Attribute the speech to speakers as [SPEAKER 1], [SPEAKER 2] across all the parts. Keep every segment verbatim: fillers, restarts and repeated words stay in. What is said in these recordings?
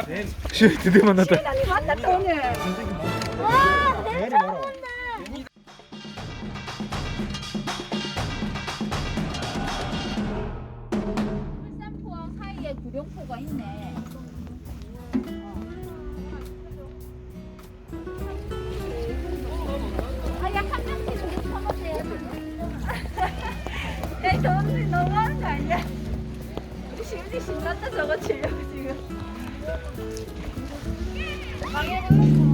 [SPEAKER 1] 시연이 드디어 만났다.
[SPEAKER 2] 시연이 만났다 오늘. 와, 내 처음 본다. 울산포항 사이에 구룡포가 있네. 아, 약 한 명씩 우리 쳐보세요. 야, 저분들 너무하는 거 아니야? 우리 시은이 신났다 저거 치려고 지금. 방해를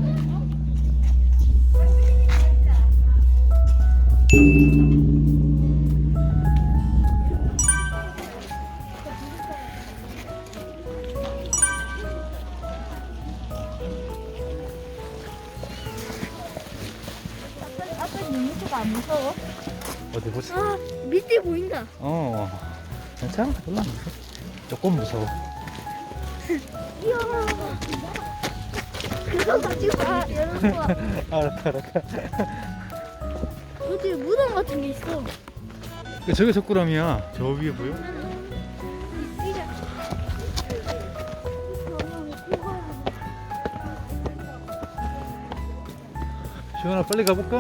[SPEAKER 2] 아빠 눈밑가 안 무서워?
[SPEAKER 1] 어디 보자.
[SPEAKER 2] 아, 밑에 보인다.
[SPEAKER 1] 어, 괜찮아. 별로 안 무서워. 조금 무서워.
[SPEAKER 2] 이야. 그거 가지고 아, 여러분.
[SPEAKER 1] 알았다, 알았다.
[SPEAKER 2] 어디 무덤 같은 게 있어.
[SPEAKER 1] 저게 석굴암이야. 저 위에 보여? 시원아, 빨리 가볼까?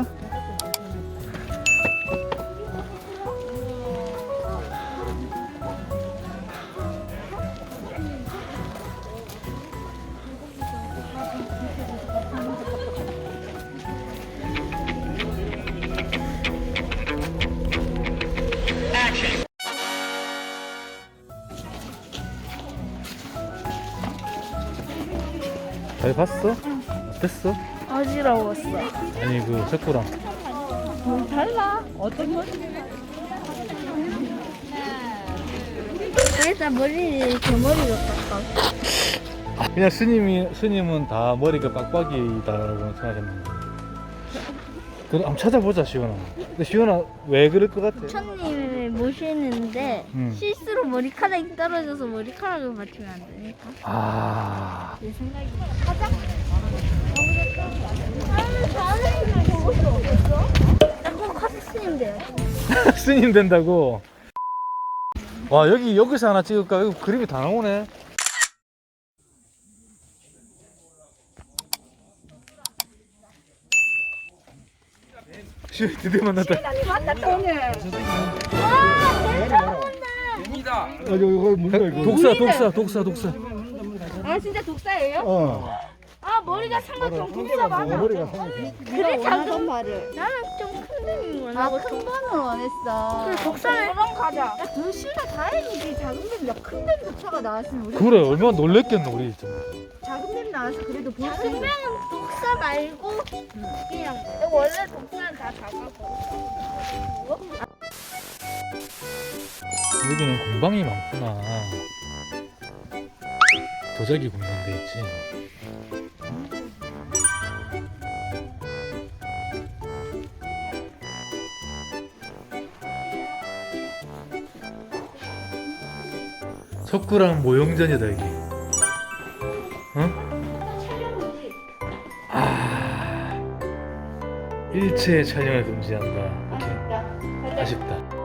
[SPEAKER 1] 잘 봤어? 어땠어?
[SPEAKER 2] 어지러웠어.
[SPEAKER 1] 아니 그 석굴암.
[SPEAKER 2] 뭐 달라? 어떤 거? 일단 머리를 제 머리로 깎아.
[SPEAKER 1] 그냥 스님이 스님은 다 머리가 빡빡이다라고 생각했는데. 그럼 한번 찾아보자 시원아. 근데 시원아 왜 그럴 것 같아?
[SPEAKER 2] 부처님을 모시는데
[SPEAKER 1] 음.
[SPEAKER 2] 실수로 머리카락이 떨어져서 머리카락을 맞추면 안 되니까.
[SPEAKER 1] 아.
[SPEAKER 2] 내 생각이. 가자. 나는 자네를 보고 수 없었어? 나꼭 카드 스님 돼요.
[SPEAKER 1] 스님 된다고. 와 여기 여기서 하나 찍을까? 여기 그림이 다 나오네. 시 드디어 만났다.
[SPEAKER 2] 시연이 만났다 오늘. 와, 내 처음 본다.
[SPEAKER 1] 아, 이거 이거 뭔가 이거. 독사 독사 독사 독사.
[SPEAKER 2] 아, 진짜 독사예요?
[SPEAKER 1] 어.
[SPEAKER 2] 아, 머리가 삼각형 독사 맞아.
[SPEAKER 1] 머리가
[SPEAKER 2] 그래 작은 말을. 나는 좀 큰 뱀이 원하고 큰 뱀을 원했어. 그래 독사를 그럼 가자. 야, 둘다 다행이지. 작은 뱀, 큰뱀 독사가 나왔으면 우리
[SPEAKER 1] 그래 얼마나 놀랬겠노 우리 진짜.
[SPEAKER 2] 작은 뱀 나와서 그래도 볼 수 있는. 작은 뱀은 독사 말고 그냥 원래 독사는 다 작아서.
[SPEAKER 1] 여기는 공방이 많구나. 도자기 굽는 데 있지. 석굴암 모형전이다 여기. 어? 아 일체 촬영을 금지한다. 오케이. 아쉽다.